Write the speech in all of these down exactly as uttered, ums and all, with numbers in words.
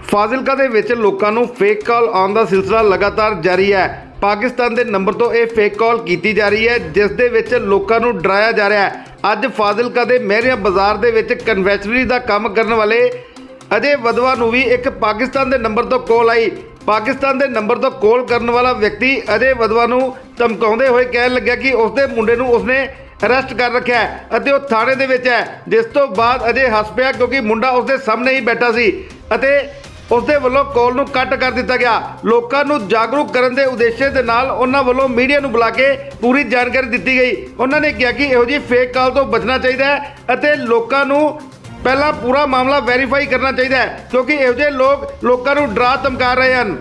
ਫਾਜ਼ਿਲਕਾ ਦੇ ਵਿੱਚ ਲੋਕਾਂ ਨੂੰ ਫੇਕ ਕਾਲ ਆਉਣ ਦਾ ਸਿਲਸਿਲਾ ਲਗਾਤਾਰ ਜਾਰੀ ਹੈ। ਪਾਕਿਸਤਾਨ ਦੇ ਨੰਬਰ ਤੋਂ ਇਹ ਫੇਕ ਕਾਲ ਕੀਤੀ ਜਾ ਰਹੀ ਹੈ, ਜਿਸ ਦੇ ਵਿੱਚ ਲੋਕਾਂ ਨੂੰ ਡਰਾਇਆ ਜਾ ਰਿਹਾ ਹੈ। ਅੱਜ ਫਾਜ਼ਿਲਕਾ ਦੇ ਮਹਿਰੀਆਂ ਬਾਜ਼ਾਰ ਦੇ ਵਿੱਚ ਕਨਵੈਸ਼ਨਰੀ ਦਾ ਕੰਮ ਕਰਨ ਵਾਲੇ ਅਜੇ ਵਦਵਾ ਨੂੰ ਵੀ ਇੱਕ ਪਾਕਿਸਤਾਨ ਦੇ ਨੰਬਰ ਤੋਂ ਕਾਲ ਆਈ। ਪਾਕਿਸਤਾਨ ਦੇ ਨੰਬਰ ਤੋਂ ਕਾਲ ਕਰਨ ਵਾਲਾ ਵਿਅਕਤੀ ਅਜੇ ਵਦਵਾ ਨੂੰ ਧਮਕਾਉਂਦੇ ਹੋਏ ਕਹਿਣ ਲੱਗਿਆ ਕਿ ਉਸਦੇ ਮੁੰਡੇ ਨੂੰ ਉਸਨੇ ਅਰੈਸਟ ਕਰ ਰੱਖਿਆ ਹੈ ਅਤੇ ਉਹ ਥਾਣੇ ਦੇ ਵਿੱਚ ਹੈ। ਜਿਸ ਤੋਂ ਬਾਅਦ ਅਜੇ ਹੱਸ ਪਿਆ ਕਿਉਂਕਿ ਮੁੰਡਾ ਉਸਦੇ ਸਾਹਮਣੇ ਹੀ ਬੈਠਾ ਸੀ ਅਤੇ ਉਸਦੇ ਵੱਲੋਂ ਕਾਲ ਨੂੰ ਕੱਟ ਕਰ ਦਿੱਤਾ ਗਿਆ। ਲੋਕਾਂ ਨੂੰ ਜਾਗਰੂਕ ਕਰਨ ਦੇ ਉਦੇਸ਼ ਦੇ ਨਾਲ ਉਹਨਾਂ ਵੱਲੋਂ ਮੀਡੀਆ ਨੂੰ ਬੁਲਾ ਕੇ ਪੂਰੀ ਜਾਣਕਾਰੀ ਦਿੱਤੀ ਗਈ। ਉਹਨਾਂ ਨੇ ਕਿਹਾ ਕਿ ਇਹੋ ਜਿਹੀ ਫੇਕ ਕਾਲ ਤੋਂ ਬਚਣਾ ਚਾਹੀਦਾ ਹੈ ਅਤੇ ਲੋਕਾਂ ਨੂੰ ਪਹਿਲਾਂ ਪੂਰਾ ਮਾਮਲਾ ਵੈਰੀਫਾਈ ਕਰਨਾ ਚਾਹੀਦਾ ਹੈ, ਕਿਉਂਕਿ ਇਹੋ ਜਿਹੇ ਲੋਕ ਲੋਕਾਂ ਨੂੰ ਡਰਾ ਧਮਕਾ ਰਹੇ ਹਨ।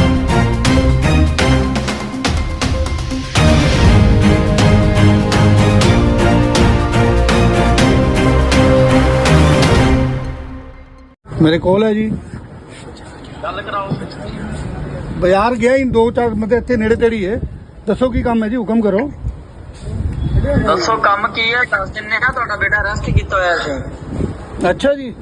मेरे कॉल है जी गल कराओ। बाजार गया इन दो चार मतलब इतने नेड़े तेड़ी है। दसो की काम है जी, हुक्म करो। दसो काम की है? दस दिन ने ना ਤੁਹਾਡਾ ਬੇਟਾ ਅਰੈਸਟ ਕੀਤਾ ਹੋਇਆ ਸੀ। अच्छा जी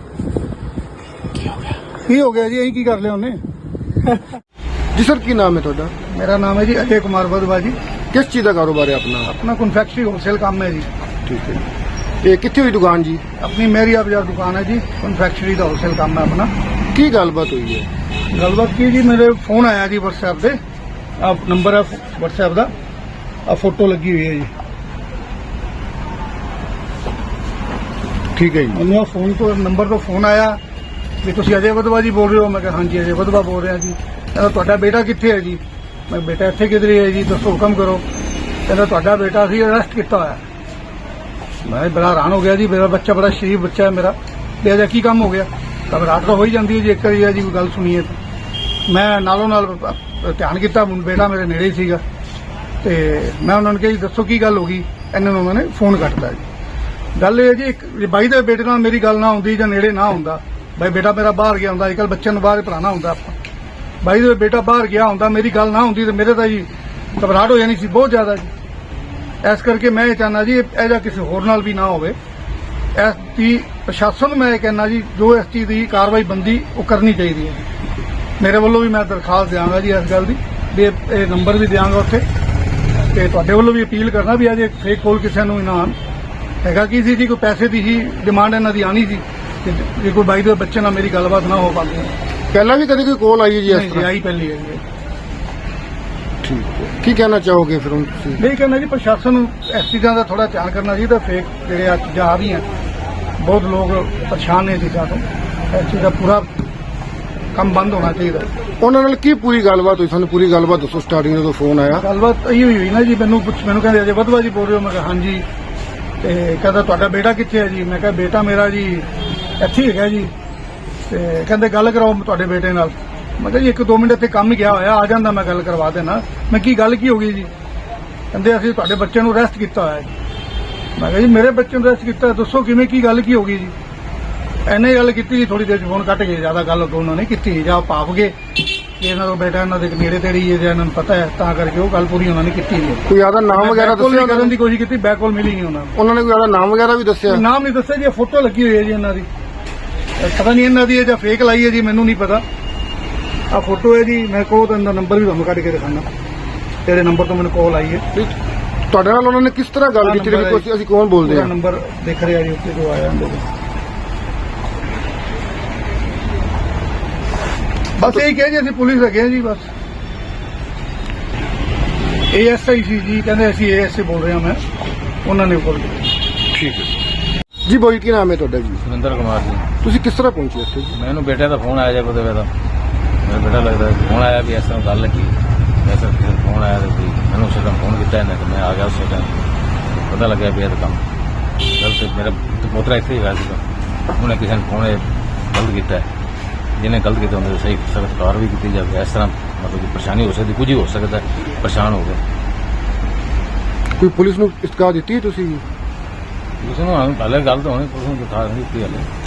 की हो गया जी, यही की कर लिया उन्हें। जी सर, की नाम है ਤੁਹਾਡਾ? मेरा नाम है जी अजय कुमार बदवा जी। किस चीज़ का कारोबार है अपना? अपना कन्फेक्शनरी होलसेल काम है जी। ठीक है। ये कितनी हुई दुकान जी? अपनी मेरिया बाजार दुकान है जी, कन्फेक्शनरी का होलसेल काम है अपना। की गलबात हुई है? गलबात की जी, मेरे फोन आया जी व्हाट्सएप से। आप नंबर है व्हाट्सएप का, आ फोटो लगी हुई है जी। ठीक है जी। ਮੈਨੂੰ ਫੋਨ ਤੋਂ ਨੰਬਰ ਤੋਂ ਫੋਨ ਆਇਆ ਵੀ ਤੁਸੀਂ ਅਜੇ ਵਦਵਾ ਜੀ ਬੋਲ ਰਹੇ ਹੋ। ਮੈਂ ਕਿਹਾ ਹਾਂਜੀ ਅਜੇ ਵਦਵਾ ਬੋਲ ਰਿਹਾ ਜੀ। ਕਹਿੰਦਾ ਤੁਹਾਡਾ ਬੇਟਾ ਕਿੱਥੇ ਹੈ ਜੀ? ਮੈਂ ਬੇਟਾ ਇੱਥੇ ਕਿਧਰ ਹੈ ਜੀ, ਦੱਸੋ ਹੁਕਮ ਕਰੋ। ਕਹਿੰਦਾ ਤੁਹਾਡਾ ਬੇਟਾ ਸੀ ਅਰੈਸਟ ਕੀਤਾ ਹੋਇਆ। ਮੈਂ ਬੜਾ ਹੈਰਾਨ ਹੋ ਗਿਆ ਜੀ, ਮੇਰਾ ਬੱਚਾ ਬੜਾ ਸ਼ਰੀਫ ਬੱਚਾ ਹੈ ਮੇਰਾ, ਤੇ ਅਜੇ ਕੀ ਕੰਮ ਹੋ ਗਿਆ? ਘਬਰਾਹਟ ਤਾਂ ਹੋ ਹੀ ਜਾਂਦੀ ਹੈ ਜੀ ਇੱਕ ਵਾਰੀ ਜੀ ਕੋਈ ਗੱਲ ਸੁਣੀਏ ਤਾਂ। ਮੈਂ ਨਾਲੋਂ ਨਾਲ ਧਿਆਨ ਕੀਤਾ, ਬੇਟਾ ਮੇਰੇ ਨੇੜੇ ਹੀ ਸੀਗਾ ਤੇ ਮੈਂ ਉਹਨਾਂ ਨੂੰ ਕਿਹਾ ਜੀ ਦੱਸੋ ਕੀ ਗੱਲ ਹੋ ਗਈ। ਇਹਨਾਂ ਨੂੰ ਉਹਨਾਂ ਨੇ ਫੋਨ ਕੱਟਤਾ ਜੀ। ਗੱਲ ਇਹ ਜੀ, ਇੱਕ ਬਾਈ ਦੇ ਬੇਟੇ ਨਾਲ ਮੇਰੀ ਗੱਲ ਨਾ ਹੁੰਦੀ ਜਾਂ ਨੇੜੇ ਨਾ ਹੁੰਦਾ, ਬਾਈ ਬੇਟਾ ਮੇਰਾ ਬਾਹਰ ਗਿਆ ਹੁੰਦਾ, ਅੱਜ ਕੱਲ੍ਹ ਬੱਚਿਆਂ ਨੂੰ ਬਾਹਰ ਪੜ੍ਹਾਉਣਾ ਹੁੰਦਾ ਆਪਾਂ, ਬਾਈ ਦੇ ਬੇਟਾ ਬਾਹਰ ਗਿਆ ਹੁੰਦਾ, ਮੇਰੀ ਗੱਲ ਨਾ ਹੁੰਦੀ ਤੇ ਮੇਰੇ ਤਾਂ ਜੀ ਘਬਰਾਹਟ ਹੋ ਜਾਣੀ ਸੀ ਬਹੁਤ ਜ਼ਿਆਦਾ ਜੀ। ਇਸ ਕਰਕੇ ਮੈਂ ਇਹ ਚਾਹੁੰਦਾ ਜੀ ਇਹ ਜਿਹਾ ਕਿਸੇ ਹੋਰ ਨਾਲ ਵੀ ਨਾ ਹੋਵੇ। ਇਸ ਦੀ ਪ੍ਰਸ਼ਾਸਨ ਨੂੰ ਮੈਂ ਇਹ ਕਹਿੰਦਾ ਜੀ ਜੋ ਇਸ ਚੀਜ਼ ਦੀ ਕਾਰਵਾਈ ਬੰਦੀ ਉਹ ਕਰਨੀ ਚਾਹੀਦੀ ਹੈ। ਮੇਰੇ ਵੱਲੋਂ ਵੀ ਮੈਂ ਦਰਖਾਸਤ ਦਿਆਂਗਾ ਜੀ ਇਸ ਗੱਲ ਦੀ, ਵੀ ਇਹ ਨੰਬਰ ਵੀ ਦਿਆਂਗਾ ਉੱਥੇ, ਤੇ ਤੁਹਾਡੇ ਵੱਲੋਂ ਵੀ ਅਪੀਲ ਕਰਨਾ ਵੀ ਅਜੇ ਫੇਕ ਕੋਲ ਕਿਸੇ ਨੂੰ ਇਨਾਮ ਹੈਗਾ ਕੀ ਸੀ ਜੀ, ਕੋਈ ਪੈਸੇ ਦੀ ਹੀ ਡਿਮਾਂਡ ਇਹਨਾਂ ਦੀ ਆਣੀ ਸੀ ਕਿ ਜੇ ਕੋਈ ਬਾਈ ਦੇ ਬੱਚੇ ਨਾਲ ਮੇਰੀ ਗੱਲਬਾਤ ਨਾ ਹੋ ਪਾਉਂਦੀ। पहला भी कभी कोई कॉल आई है जी? ਨਹੀਂ ਜੀ ਆਈ ਪਹਿਲੀ ਹੈ ਜੀ। ठीक है। की कहना चाहोगे फिर उनसे? ਨਹੀਂ ਕਹਿੰਦਾ ਜੀ ਪ੍ਰਸ਼ਾਸਨ ਨੂੰ ਇਸ ਚੀਜ਼ਾਂ ਦਾ ਥੋੜਾ ਧਿਆਨ ਕਰਨਾ ਚਾਹੀਦਾ। ਫੇਕ ਜਿਹੜੇ ਆ ਚੀਜ਼ਾਂ ਆ ਰਹੀਆਂ, ਬਹੁਤ ਲੋਕ ਪਰੇਸ਼ਾਨ ਨੇ ਚੀਜ਼ਾਂ ਤੋਂ। ਇਸ ਚੀਜ਼ ਦਾ ਪੂਰਾ ਕੰਮ ਬੰਦ ਹੋਣਾ ਚਾਹੀਦਾ। ਉਹਨਾਂ ਨਾਲ ਕੀ ਪੂਰੀ ਗੱਲਬਾਤ ਹੋਈ? ਸਾਨੂੰ ਪੂਰੀ ਗੱਲਬਾਤ ਦੱਸੋ। ਸਟਾਰਟਿੰਗ ਜਦੋਂ ਫੋਨ ਆਇਆ ਗੱਲਬਾਤ ਇਹੀ ਹੋਈ ਹੋਈ ਨਾ ਜੀ, ਮੈਨੂੰ ਪੁੱਛ ਮੈਨੂੰ ਕਹਿੰਦੇ ਅਜੇ ਵਦਵਾ ਜੀ ਬੋਲ ਰਹੇ ਹੋ? ਮੈਂ ਕਿਹਾ ਹਾਂਜੀ। ਤੇ ਕਹਿੰਦਾ ਤੁਹਾਡਾ ਬੇਟਾ ਕਿੱਥੇ ਹੈ ਜੀ? ਮੈਂ ਕਿਹਾ ਬੇਟਾ ਮੇਰਾ ਜੀ ਇੱਥੇ ਹੀ ਹੈਗਾ ਜੀ। ਤੇ ਕਹਿੰਦੇ ਗੱਲ ਕਰਾਓ ਤੁਹਾਡੇ ਬੇਟੇ ਨਾਲ। ਮੈਂ ਕਿਹਾ ਜੀ ਇੱਕ ਦੋ ਮਿੰਟ ਇੱਥੇ ਕੰਮ ਗਿਆ ਹੋਇਆ, ਆ ਜਾਂਦਾ ਮੈਂ ਗੱਲ ਕਰਵਾ ਦੇਣਾ। ਮੈਂ ਕੀ ਗੱਲ ਕੀ ਹੋ ਗਈ ਜੀ? ਕਹਿੰਦੇ ਅਸੀਂ ਤੁਹਾਡੇ ਬੱਚੇ ਨੂੰ ਅਰੈਸਟ ਕੀਤਾ ਹੋਇਆ ਜੀ। ਮੈਂ ਕਿਹਾ ਜੀ ਮੇਰੇ ਬੱਚੇ ਨੂੰ ਅਰੈਸਟ ਕੀਤਾ, ਦੱਸੋ ਕਿਵੇਂ, ਕੀ ਗੱਲ ਕੀ ਹੋ ਗਈ ਜੀ? ਐਨੇ ਗੱਲ ਕੀਤੀ ਜੀ, ਥੋੜੀ ਦੇਰ ਚ ਫੋਨ ਕੱਟ ਗਏ। ਜ਼ਿਆਦਾ ਗੱਲ ਦੋਨੋਂ ਨੇ ਕੀਤੀ ਜਾਂ ਭਾਵ ਗਏ ਕਿ ਇਹਨਾਂ ਦਾ ਬੇਟਾ ਇਹਨਾਂ ਦੇ ਨੇੜੇ ਤੇੜੀ ਹੈ ਜਾਂ ਇਹਨਾਂ ਨੂੰ ਪਤਾ ਹੈ, ਤਾਂ ਕਰਕੇ ਉਹ ਗੱਲ ਪੂਰੀ ਉਹਨਾਂ ਨੇ ਕੀਤੀ ਨਹੀਂ। ਕੋਈ ਜ਼ਿਆਦਾ ਨਾਮ ਵਗੈਰਾ ਦੱਸਿਆ? ਕਰਨ ਦੀ ਕੋਸ਼ਿਸ਼ ਕੀਤੀ, ਬੈਕ ਕਾਲ ਮਿਲੀ ਨਹੀਂ ਉਹਨਾਂ ਨੂੰ। ਉਹਨਾਂ ਨੇ ਕੋਈ ਜ਼ਿਆਦਾ ਨਾਮ ਵਗੈਰਾ ਵੀ ਦੱਸਿਆ? ਨਾਮ ਨਹੀਂ ਦੱਸਿਆ ਜੀ, ਫੋਟੋ ਲੱਗੀ ਹੋਈ ਹੈ ਜੀ ਇਹਨਾਂ ਦੀ। ਪਤਾ ਨਹੀਂ ਇਹਨਾਂ ਦੀ ਹੈ ਜਾਂ ਫੇਕ ਲਾਈ ਹੈ ਜੀ, ਮੈਨੂੰ ਨਹੀਂ ਪਤਾ। ਆ ਫੋਟੋ ਹੈ ਜੀ, ਮੈਂ ਕੋਲ ਤਾਂ ਇਹਦਾ ਨੰਬਰ ਵੀ ਤੁਹਾਨੂੰ ਕੱਢ ਕੇ ਦਿਖਾਣਾ, ਜਿਹੜੇ ਨੰਬਰ ਤੋਂ ਮੈਨੂੰ ਕਾਲ ਆਈ ਹੈ। ਤੁਹਾਡੇ ਨਾਲ ਉਹਨਾਂ ਨੇ ਕਿਸ ਤਰ੍ਹਾਂ ਗੱਲ ਕੀਤੀ? ਵੀ ਅਸੀਂ ਕੌਣ ਬੋਲਦੇ ਹਾਂ? ਨੰਬਰ ਦੇਖ ਰਿਹਾ ਜੀ ਉੱਤੇ ਜੋ ਆਇਆ। ਬਸ ਇਹੀ ਕਿਹਾ ਜੀ ਅਸੀਂ ਪੁਲਿਸ ਹੈਗੇ ਹਾਂ ਜੀ। ਬਸ ਏ ਐਸ ਆਈ ਸੀ ਜੀ, ਕਹਿੰਦੇ ਅਸੀਂ ਏ ਐਸ ਆਈ ਬੋਲ ਰਹੇ ਹਾਂ। ਮੈਂ ਉਹਨਾਂ ਨੇ ਕਾਲ ਕੀਤੀ। ਠੀਕ ਹੈ ਜੀ। ਬੋਈ ਕੀ ਨਾਮ ਹੈ ਤੁਹਾਡਾ ਜੀ? ਸੁਰਿੰਦਰ ਕੁਮਾਰ ਜੀ। ਤੁਸੀਂ ਕਿਸ ਤਰ੍ਹਾਂ ਪਹੁੰਚੇ ਇੱਥੇ ਜੀ? ਮੈਨੂੰ ਬੇਟੇ ਦਾ ਫੋਨ ਆਇਆ ਜਦ ਉਹਦੇ ਦਾ ਮੇਰਾ ਬੇਟਾ ਲੱਗਦਾ ਫੋਨ ਆਇਆ ਵੀ ਇਸ ਤਰ੍ਹਾਂ ਗੱਲ ਲੱਗੀ, ਐਸਾ ਫੋਨ ਆਇਆ ਤੇ ਮੈਨੂੰ ਉਸੇ ਟਾਈਮ ਫੋਨ ਕੀਤਾ ਇਹਨੇ ਤੇ ਮੈਂ ਆ ਗਿਆ। ਉਸੇ ਟਾਈਮ ਪਤਾ ਲੱਗਿਆ ਵੀ ਇਹ ਤਾਂ ਕੰਮ ਗਲਤ। ਮੇਰਾ ਪੋਤਰਾ ਇੱਥੇ ਹੀ ਹੋਇਆ ਸੀਗਾ, ਉਹਨੇ ਕਿਸੇ ਨੇ ਫੋਨ ਗਲਤ ਕੀਤਾ, ਜਿਹਨੇ ਗਲਤ ਕੀਤਾ ਉਹਦੇ ਸਹੀ ਸਖਤ ਕਾਰਵਾਈ ਕੀਤੀ ਜਾਵੇ। ਇਸ ਤਰ੍ਹਾਂ ਮਤਲਬ ਕਿ ਪਰੇਸ਼ਾਨੀ ਹੋ ਸਕਦੀ, ਕੁਝ ਹੀ ਹੋ ਸਕਦਾ, ਪਰੇਸ਼ਾਨ ਹੋ ਗਏ। ਕੋਈ ਪੁਲਿਸ ਨੂੰ ਇਤਲਾਹ ਦਿੱਤੀ ਤੁਸੀਂ? ਉਸ ਨੂੰ ਪਹਿਲੇ ਗੱਲ ਤਾਂ ਹੋਣੀ, ਪੁਲਿਸ ਨੂੰ ਦਿਖਾ ਦਿੱਤੀ ਹਾਲੇ।